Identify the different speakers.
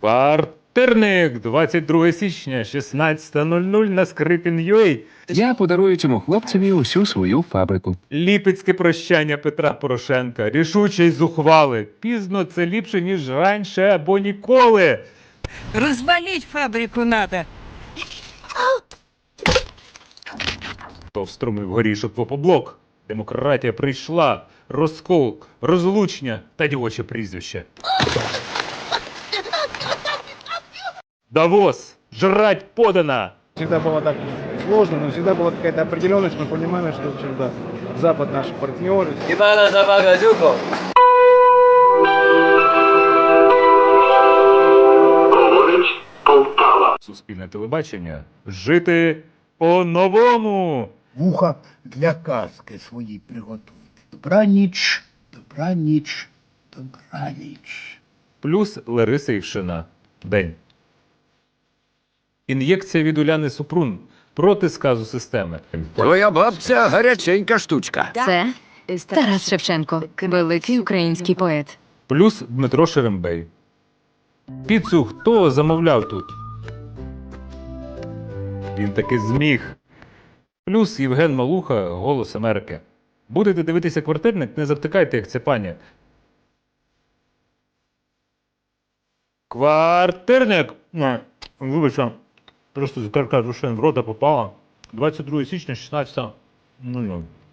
Speaker 1: Квартирник, 22 січня, 16:00 на Скрипін.ua.
Speaker 2: Я подарую цьому хлопцеві усю свою фабрику.
Speaker 1: Ліпецьке прощання Петра Порошенка. Рішуче й зухвали. Пізно це ліпше, ніж раніше або ніколи.
Speaker 3: Развалить фабрику надо.
Speaker 1: Вструмив горішок в опоблок. Демократія прийшла. Розкол, розлучення та дівоче прізвище. Давос! Жрать подано!
Speaker 4: Всегда было так сложно, но всегда была какая-то определенность. Мы понимали, что всегда Запад наши партнеры.
Speaker 5: Ивана Замагазюков.
Speaker 1: Суспільне телебачення. Жити по-новому!
Speaker 6: Вуха для казки свої приготуйте. Добраніч, добраніч, добраніч.
Speaker 1: Плюс Лариса Івшина. День. Ін'єкція від Уляни Супрун проти сказу системи.
Speaker 2: Твоя бабця гаряченька штучка.
Speaker 7: Це Тарас Шевченко, великий український поет.
Speaker 1: Плюс Дмитро Шерембей. Піцу хто замовляв тут? Він таки зміг. Плюс Євген Малуха, Голос Америки. Будете дивитися квартирник, не завтикайте, як ця пані. Квартирник! Вибачте, просто зікарка з ушин в рота попала. 22 січня, 16:00.